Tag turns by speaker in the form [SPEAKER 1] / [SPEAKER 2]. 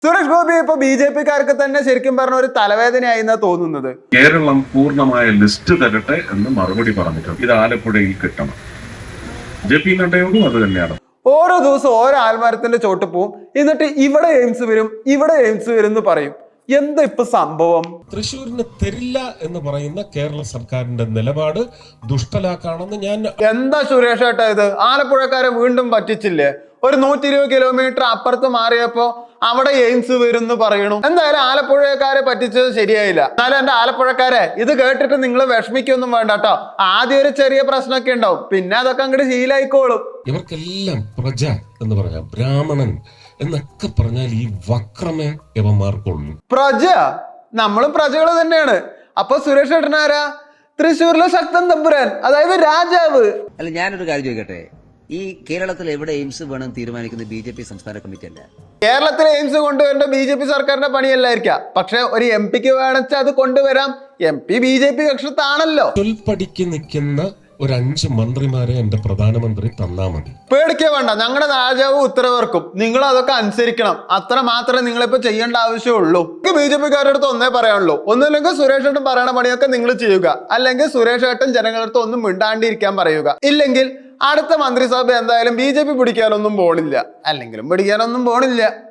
[SPEAKER 1] സുരേഷ് ഗോപി ഇപ്പൊ BJP-ക്കാർക്ക് തന്നെ ശരിക്കും പറഞ്ഞ ഒരു തലവേദനയായി എന്നാ തോന്നുന്നത്.
[SPEAKER 2] കേരളം പൂർണ്ണമായ ലിസ്റ്റ് തരട്ടെ എന്ന് മറുപടി പറഞ്ഞിട്ടുണ്ട്. ഇത് ആലപ്പുഴയിൽ കിട്ടണം. JP നഡ്ഡയോടും അത് തന്നെയാണ്.
[SPEAKER 1] ഓരോ ദിവസം ഓരോ ആൽമരത്തിന്റെ ചോട്ട് പോവും, എന്നിട്ട് ഇവിടെ എയിംസ് വരും, ഇവിടെ എയിംസ് വരും എന്ന് പറയും. എന്താ ഇപ്പൊ സംഭവം?
[SPEAKER 3] തൃശ്ശൂരിന് തരില്ല എന്ന് പറയുന്ന കേരള സർക്കാരിന്റെ നിലപാട് ദുഷ്ടലാക്കാണെന്ന് ഞാൻ
[SPEAKER 1] എന്താ സുരേഷ് ഏട്ടാ ഇത്? ആലപ്പുഴക്കാരെ വീണ്ടും പറ്റിച്ചില്ലേ? ഒരു 120 കിലോമീറ്റർ അപ്പുറത്ത് മാറിയപ്പോ അവിടെ എയിംസ് വരും എന്ന് പറയണു. എന്തായാലും ആലപ്പുഴക്കാരെ പറ്റിച്ചത് ശരിയായില്ല. എന്നാലും എന്റെ ആലപ്പുഴക്കാരെ ഇത് കേട്ടിട്ട് നിങ്ങൾ വിഷമിക്കൊന്നും വേണ്ട കേട്ടോ. ആദ്യം ഒരു ചെറിയ പ്രശ്നമൊക്കെ ഉണ്ടാവും, പിന്നെ അതൊക്കെ അങ്ങോട്ട് ശീലായിക്കോളും.
[SPEAKER 3] ഇവർക്കെല്ലാം പ്രജ എന്ന് പറഞ്ഞാൽ ബ്രാഹ്മണൻ എന്നൊക്കെ പറഞ്ഞാൽ ഈ വക്രമേ ഇവന്മാർക്കുള്ളൂ.
[SPEAKER 1] പ്രജ, നമ്മളും പ്രജകള് തന്നെയാണ്. അപ്പൊ സുരേഷ് ഏട്ടനാരാ? തൃശ്ശൂരിലെ ശക്തൻ തമ്പുരാൻ, അതായത് രാജാവ്.
[SPEAKER 4] അല്ല, ഞാനൊരു കാര്യം ചോദിക്കട്ടെ, ഈ കേരളത്തിൽ എവിടെ എയിംസ് വേണം തീരുമാനിക്കുന്ന BJP സംസ്ഥാന കമ്മിറ്റി അല്ല?
[SPEAKER 1] കേരളത്തിലെ എയിംസ് കൊണ്ടുവരേണ്ട BJP സർക്കാരിന്റെ പണിയല്ലായിരിക്കാം, പക്ഷെ ഒരു MP-ക്ക് വേണമെച്ചാൽ അത് കൊണ്ടുവരാം. MP BJP കക്ഷത്താണല്ലോ.
[SPEAKER 3] ചൊൽപ്പടിക്ക് നിൽക്കുന്ന ഒരു 5 മന്ത്രിമാരെ എന്റെ പ്രധാനമന്ത്രി തന്നാ മതി.
[SPEAKER 1] പേടിക്കേ വേണ്ട, ഞങ്ങളുടെ രാജാവ് ഉത്തരവർക്കും, നിങ്ങൾ അതൊക്കെ അനുസരിക്കണം. അത്ര മാത്രമേ നിങ്ങളിപ്പോ ചെയ്യേണ്ട ആവശ്യമുള്ളൂ. BJP-ക്കാരുടെ അടുത്ത് ഒന്നേ പറയാനുള്ളൂ, ഒന്നുമില്ലെങ്കിൽ സുരേഷ് ഏട്ടൻ പറയണ പണിയൊക്കെ നിങ്ങൾ ചെയ്യുക, അല്ലെങ്കിൽ സുരേഷ് ഏട്ടൻ ജനങ്ങളുടെ അടുത്ത് ഒന്നും മിണ്ടാണ്ടിരിക്കാൻ പറയുക. ഇല്ലെങ്കിൽ അടുത്ത മന്ത്രിസഭ എന്തായാലും BJP പിടിക്കാനൊന്നും പോണില്ല, അല്ലെങ്കിലും പിടിക്കാനൊന്നും പോണില്ല.